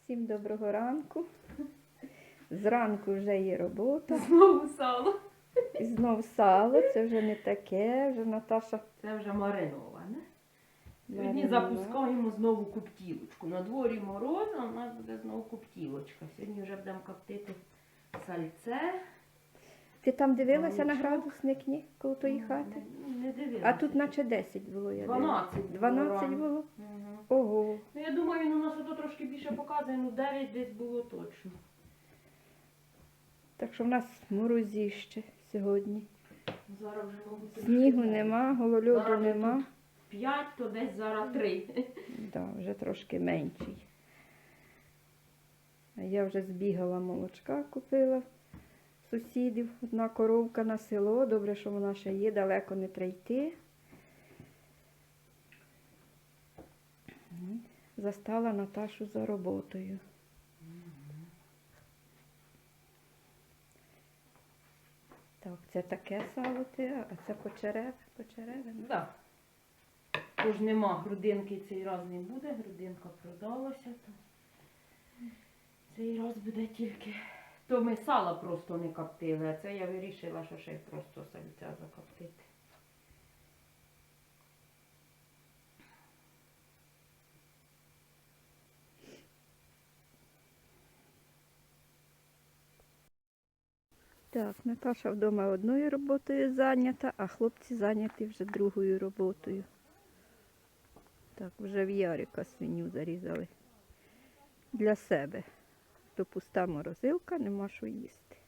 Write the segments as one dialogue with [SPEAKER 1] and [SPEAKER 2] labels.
[SPEAKER 1] Всім доброго ранку. Зранку вже є робота.
[SPEAKER 2] Знову сало.
[SPEAKER 1] І знов сало. Це вже не таке, вже Наташа.
[SPEAKER 2] Це вже мариноване. Сьогодні
[SPEAKER 1] Маринована.
[SPEAKER 2] запускаємо знову коптілочку. На дворі мороз, а у нас буде знову коптілочка. Сьогодні вже будемо коптити сальце.
[SPEAKER 1] Ти там дивилася на
[SPEAKER 2] Молочко.
[SPEAKER 1] градусник, ні, коло тої хати?
[SPEAKER 2] Не дивилася.
[SPEAKER 1] А тут наче 10 було, я
[SPEAKER 2] 12
[SPEAKER 1] дивилася.
[SPEAKER 2] було
[SPEAKER 1] 12
[SPEAKER 2] рано.
[SPEAKER 1] було?
[SPEAKER 2] Мгм.
[SPEAKER 1] Ого.
[SPEAKER 2] Ну, я думаю, він у нас ото трошки більше показує, ну 9 десь було точно.
[SPEAKER 1] Так що в нас морозіще сьогодні.
[SPEAKER 2] Зараз вже, мабуть,
[SPEAKER 1] Снігу нема, голольоду
[SPEAKER 2] Зараз
[SPEAKER 1] нема.
[SPEAKER 2] 5, то десь зараз 3.
[SPEAKER 1] Да, вже трошки менший. А я вже збігала молочка, купила сусідів. Одна коровка на село. Добре, що вона ще є, далеко не треба йти. Застала Наташу за роботою. Так, це таке сало ти, а це почереве. Почереве.
[SPEAKER 2] Да. Тож нема грудинки, цей раз не буде, грудинка продалася. То цей раз буде тільки. То ми сала просто не коптили, а це я вирішила, що ще й просто сальця закоптити.
[SPEAKER 1] Так, Наташа вдома одною роботою зайнята, а хлопці зайняті вже другою роботою. Так, вже в Ярика свиню зарізали. Для себе. То пуста морозилка, нема що їсти.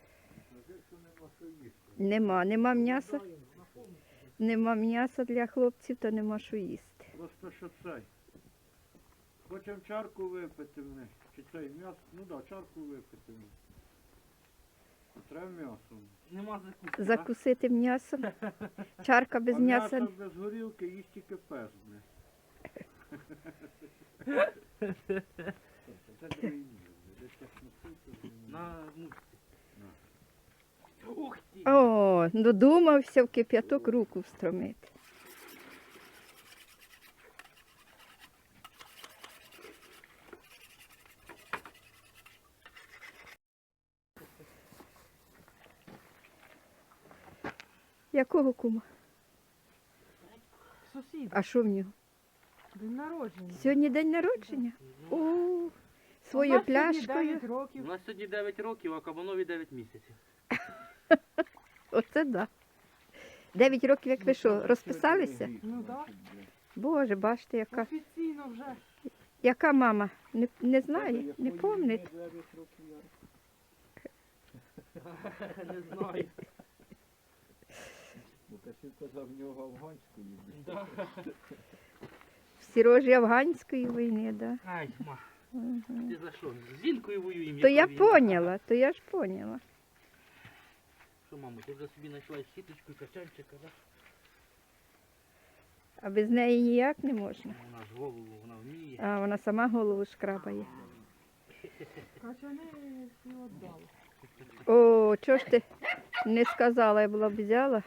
[SPEAKER 1] Нема м'яса. Нема м'яса для хлопців, то нема що їсти.
[SPEAKER 3] Просто що цей. Хочемо чарку випити ми. Чи цей м'ясо? Ну так, да, чарку випити ми. Треба м'ясо.
[SPEAKER 4] Нема закуски.
[SPEAKER 1] Закусити м'ясом. Чарка без
[SPEAKER 3] А
[SPEAKER 1] м'яса.
[SPEAKER 3] м'ясо без горілки їсть тільки пес. бля. Це другий ніж, десь так носити.
[SPEAKER 4] На мушці. Ух ти!
[SPEAKER 1] О, додумався в кип'яток руку встромити. Якого кума?
[SPEAKER 2] Сусід,
[SPEAKER 1] А що в нього?
[SPEAKER 2] день народження.
[SPEAKER 1] Сьогодні день народження? О, свою пляшкою.
[SPEAKER 4] У нас сьогодні 9 років, а кабанові 9 місяців.
[SPEAKER 1] Оце да. 9 років, як ви що, розписалися?
[SPEAKER 2] Ну так,
[SPEAKER 1] Боже, бачите, яка,
[SPEAKER 2] офіційно вже.
[SPEAKER 1] яка мама? Не знає, не пам'ятає.
[SPEAKER 4] Не знаю.
[SPEAKER 3] Лукашів казав, в нього афганську їздить.
[SPEAKER 4] Да.
[SPEAKER 1] В Сірожі афганської війни, да.
[SPEAKER 4] Ай, ма, ти за що? З жінкою воюємо.
[SPEAKER 1] То
[SPEAKER 4] яка
[SPEAKER 1] я
[SPEAKER 4] війна?
[SPEAKER 1] поняла, то я ж поняла.
[SPEAKER 4] Що, мамо, ти вже собі знайшла сіточку і качанчика, да?
[SPEAKER 1] А без неї ніяк не можна.
[SPEAKER 4] Вона ж голову, вона вміє.
[SPEAKER 1] А вона сама голову шкрабає.
[SPEAKER 2] Качани всі віддали.
[SPEAKER 1] О, чого ж ти не сказала, я була б взяла.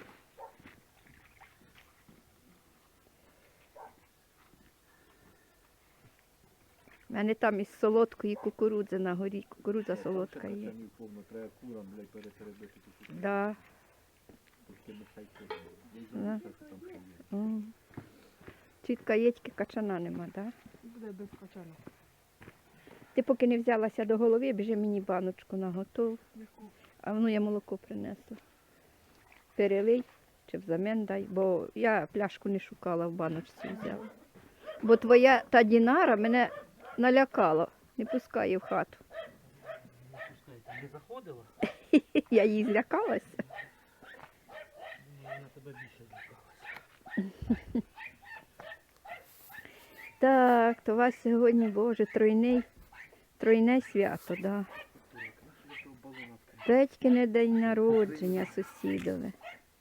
[SPEAKER 1] У мене там із солодкої кукурудзи на горі. Кукурудза солодка є.
[SPEAKER 3] Треба курам, блядь, перетеребити.
[SPEAKER 1] Да. Да. Чітка єтьки качана нема, так? Да?
[SPEAKER 2] Буде без качана.
[SPEAKER 1] Ти поки не взялася до голови, біжи мені баночку наготов. А воно я молоко принесла. Перелий чи взамін дай, бо я пляшку не шукала, в баночці взяла. Бо твоя та Дінара мене налякала, не пускає в хату.
[SPEAKER 4] Пускай, не заходила?
[SPEAKER 1] Я їй злякалася.
[SPEAKER 4] Вона тебе більше злякалася.
[SPEAKER 1] Так, то у вас сьогодні, Боже, тройне свято, да. Петькине день народження сусідове.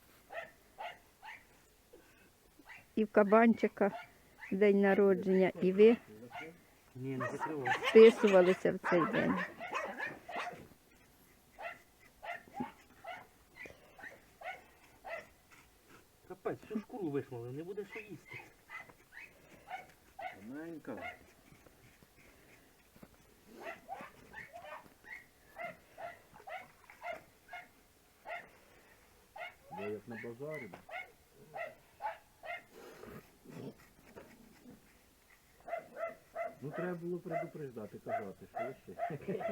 [SPEAKER 1] І в кабанчика день народження, і ви
[SPEAKER 4] Ні, не закривай.
[SPEAKER 1] вписувалися в цей день.
[SPEAKER 4] Капець, всю шкуру вишмали, не буде що їсти.
[SPEAKER 3] Маленька. як на базарі. Ну треба було предупреждати, казати, що ще.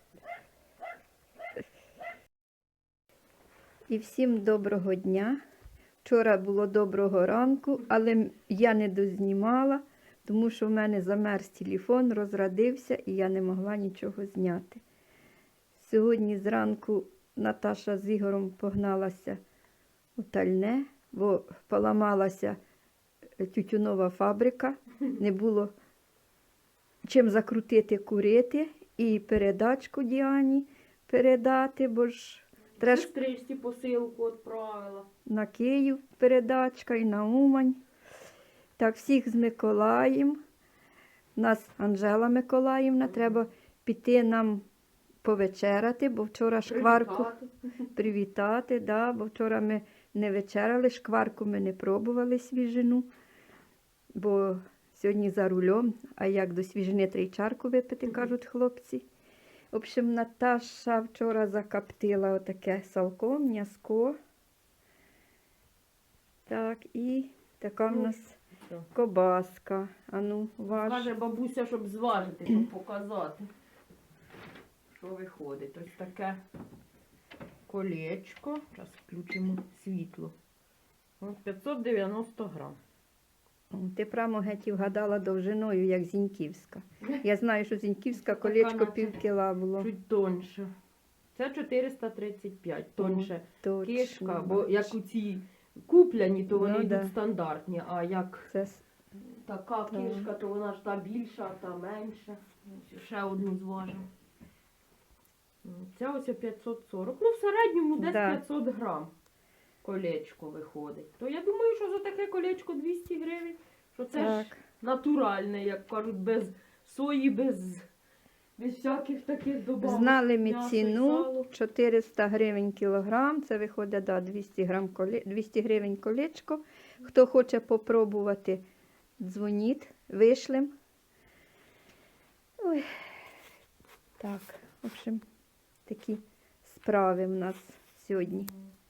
[SPEAKER 1] І всім доброго дня. Вчора було доброго ранку, але я не дознімала, тому що в мене замерз телефон, розрядився і я не могла нічого зняти. Сьогодні зранку Наташа з Ігорем погналася у Тальне, бо поламалася тютюнова фабрика, не було чим закрутити курити і передачку Діані передати, бо ж треба ж
[SPEAKER 2] Сестричці посилку відправила.
[SPEAKER 1] на Київ передачка і на Умань. Так, всіх з Миколаєм. Нас Анжела Миколаївна, треба піти нам повечеряти, бо вчора шкварку привітати, да, бо вчора ми не вечеряли, шкварку ми не пробували свіжину, бо сьогодні за рулем, а як до свіжини треба й чарку випити, кажуть хлопці. В общем, Наташа вчора закоптила отаке салко, м'яско. Так, і така в нас
[SPEAKER 2] Що?
[SPEAKER 1] кобаска. А ну, ваш.
[SPEAKER 2] Каже бабуся, щоб зважити, щоб показати, що виходить. Ось таке колечко. Зараз включимо світло. Ось 590 грам.
[SPEAKER 1] О, ти прямо геть і вгадала довжиною, як Зіньківська. Я знаю, що Зіньківська колечко
[SPEAKER 2] наче
[SPEAKER 1] пів кіла було.
[SPEAKER 2] Чуть тоньше. Це 435, тоньше
[SPEAKER 1] Точно.
[SPEAKER 2] кишка, бо як у ці купляні, то вони
[SPEAKER 1] Ну,
[SPEAKER 2] йдуть
[SPEAKER 1] да.
[SPEAKER 2] стандартні, а як
[SPEAKER 1] Це
[SPEAKER 2] така
[SPEAKER 1] Так.
[SPEAKER 2] кишка, то вона ж та більша, а та менша. Ось ще одну зважимо. Ця ось 540. Ну, в середньому десь
[SPEAKER 1] Да.
[SPEAKER 2] 500 грам колечко виходить. То я думаю, що за таке колечко 200 гривень, що це ж
[SPEAKER 1] так.
[SPEAKER 2] натуральне, як кажуть, без сої, без всяких таких добавок.
[SPEAKER 1] Знали ми
[SPEAKER 2] м'ясо і
[SPEAKER 1] ціну
[SPEAKER 2] сало.
[SPEAKER 1] 400 гривень кілограм, це виходить, да, 200 гривень колечко. Хто хоче попробувати, дзвоніть, вишлем. Ой. Так, в общем, такі справи в нас сьогодні.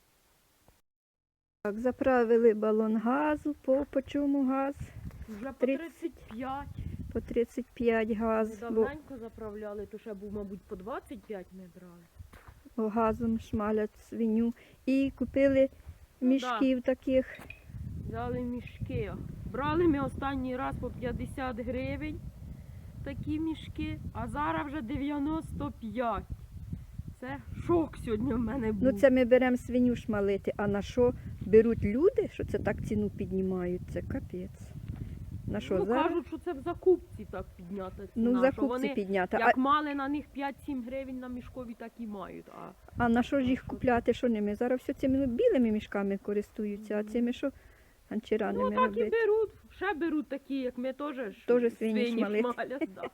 [SPEAKER 1] Так, заправили балон газу, по чому газ?
[SPEAKER 2] Вже по
[SPEAKER 1] 30.
[SPEAKER 2] 35.
[SPEAKER 1] По 35 газ, бо
[SPEAKER 2] Давненько заправляли, то ще був, мабуть, по 25 ми брали.
[SPEAKER 1] газом шмалять свиню. І купили
[SPEAKER 2] Ну,
[SPEAKER 1] мішків таких.
[SPEAKER 2] Взяли мішки. Брали ми останній раз по 50 гривень такі мішки, а зараз вже 95. Це шок сьогодні в мене був.
[SPEAKER 1] Ну це ми беремо свиню шмалити, а на що беруть люди, що це так ціну піднімають, це капець. На що
[SPEAKER 2] Ну,
[SPEAKER 1] зараз?
[SPEAKER 2] кажуть, що це в закупці так піднята ціна.
[SPEAKER 1] Ну, в
[SPEAKER 2] що
[SPEAKER 1] закупці
[SPEAKER 2] вони,
[SPEAKER 1] піднята.
[SPEAKER 2] як мали на них 5-7 гривень на мішкові, так і мають.
[SPEAKER 1] А на що ж їх купляти, що ними? Зараз все цими білими мішками користуються, а цими що анчираними
[SPEAKER 2] Ну так і
[SPEAKER 1] робити?
[SPEAKER 2] беруть. Ще беруть такі, як ми теж ж
[SPEAKER 1] Тоже свині шмалять.
[SPEAKER 2] шмалять, да.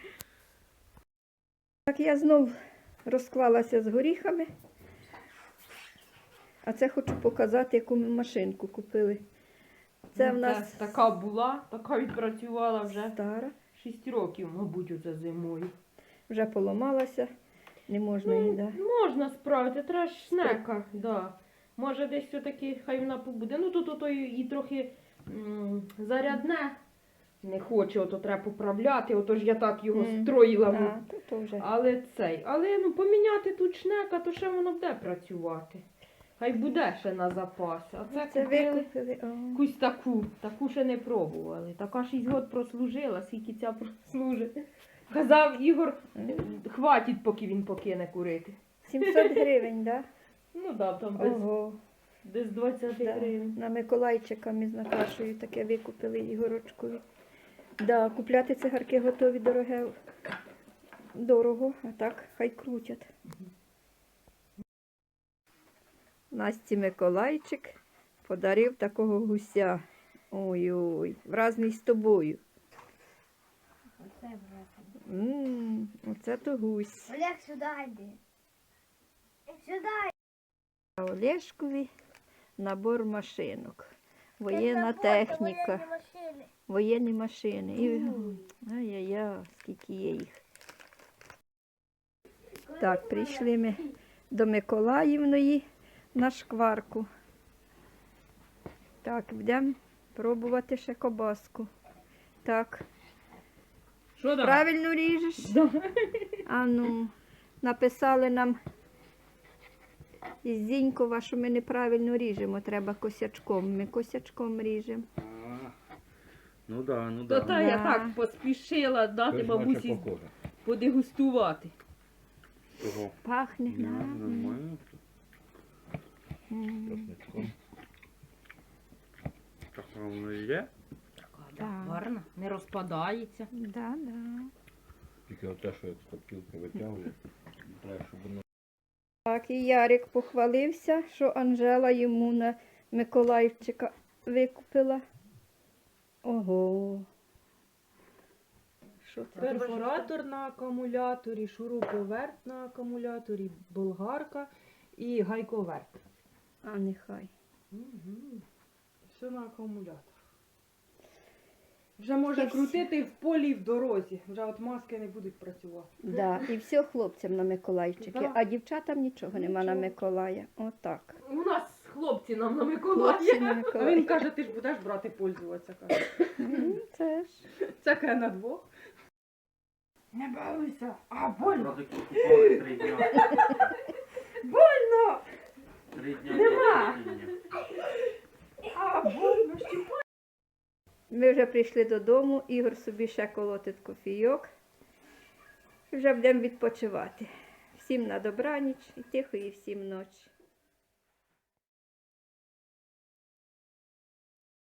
[SPEAKER 1] Так я знов розклалася з горіхами. А це хочу показати, яку ми машинку купили. Це в нас
[SPEAKER 2] така була, така відпрацювала вже
[SPEAKER 1] стара,
[SPEAKER 2] 6 років, мабуть, оце зимою.
[SPEAKER 1] вже поламалася, не можна її, да.
[SPEAKER 2] Можна справити, треба ж снека, да. Може десь все-таки хай вона побуде. Ну тут ото і трохи зарядне. Не хоче, ото треба поправляти, ото ж я так його строїла.
[SPEAKER 1] А, то вже.
[SPEAKER 2] Але ну поміняти тут шнека, то ще воно буде працювати. Хай буде ще на запас. А це купили
[SPEAKER 1] викупили. О.
[SPEAKER 2] якусь таку ще не пробували. Така 6 років прослужила, скільки ця прослужить. Казав Ігор, хватить, поки він покине курити.
[SPEAKER 1] 700 гривень, да?
[SPEAKER 2] Ну так, там
[SPEAKER 1] Ого.
[SPEAKER 2] десь 20
[SPEAKER 1] Да.
[SPEAKER 2] гривень.
[SPEAKER 1] На Миколайчика ми з Наташою таке викупили Ігорочкові. Да, купляти цигарки готові дорого, а так хай крутять. Насті Миколайчик подарив такого гуся. Ой-ой, вразний з тобою. Оце то гусь.
[SPEAKER 5] Олег, сюди йди. Сюди.
[SPEAKER 1] А Олешкові набор машинок. Воєнна техніка. Воєнні машини. І... Ай-яй-яй, скільки є їх. Так, прийшли ми до Миколаївної на шкварку. Так, будемо пробувати ще кобаску. Так,
[SPEAKER 2] Що там?
[SPEAKER 1] правильно ріжеш?
[SPEAKER 2] Да.
[SPEAKER 1] А ну, написали нам із Зінькова, що ми неправильно ріжемо, треба косячком. Ми косячком ріжемо.
[SPEAKER 4] Ну да, ну
[SPEAKER 2] То
[SPEAKER 4] да.
[SPEAKER 2] та я
[SPEAKER 1] Да.
[SPEAKER 2] так поспішила дати
[SPEAKER 3] Щось
[SPEAKER 2] бабусі
[SPEAKER 3] наче похоже.
[SPEAKER 2] подегустувати.
[SPEAKER 4] Того.
[SPEAKER 1] Пахне.
[SPEAKER 3] Ну,
[SPEAKER 1] гарно.
[SPEAKER 3] нормально.
[SPEAKER 1] М.
[SPEAKER 3] Часничком. Так воно і є.
[SPEAKER 1] Так.
[SPEAKER 2] Гарно, не розпадається.
[SPEAKER 1] Да, да.
[SPEAKER 3] Тільки оте, що як з копілки витягує, треба, щоб воно
[SPEAKER 1] Так, і Ярик похвалився, що Анжела йому на Миколаївчика викупила. Ого. Що це?
[SPEAKER 2] Перфоратор на акумуляторі, шуруповерт на акумуляторі, болгарка і гайковерт.
[SPEAKER 1] А нехай.
[SPEAKER 2] Все на акумулятор. Вже може
[SPEAKER 1] І всі.
[SPEAKER 2] крутити в полі і в дорозі. Вже от маски не будуть працювати.
[SPEAKER 1] Да, і все хлопцям на Миколайчики,
[SPEAKER 2] Да.
[SPEAKER 1] а дівчатам нічого нема на
[SPEAKER 2] Нічого.
[SPEAKER 1] Миколая. Отак.
[SPEAKER 2] У нас хлопці нам на
[SPEAKER 1] Хлопці
[SPEAKER 2] Миколая.
[SPEAKER 1] на
[SPEAKER 2] А
[SPEAKER 1] Миколая.
[SPEAKER 2] він каже, ти ж будеш брати пользуватися. Каже.
[SPEAKER 1] Це ж.
[SPEAKER 2] Це каже на двох. Не бавися, а больно.
[SPEAKER 4] Зразу купували 3 дня.
[SPEAKER 2] Больно!
[SPEAKER 4] 3 дня.
[SPEAKER 2] Нема.
[SPEAKER 4] терпіння.
[SPEAKER 2] А больно.
[SPEAKER 1] Ми вже прийшли додому, Ігор собі ще колотить кофійок. Вже будемо відпочивати. Всім на добраніч і тихої всім ночі.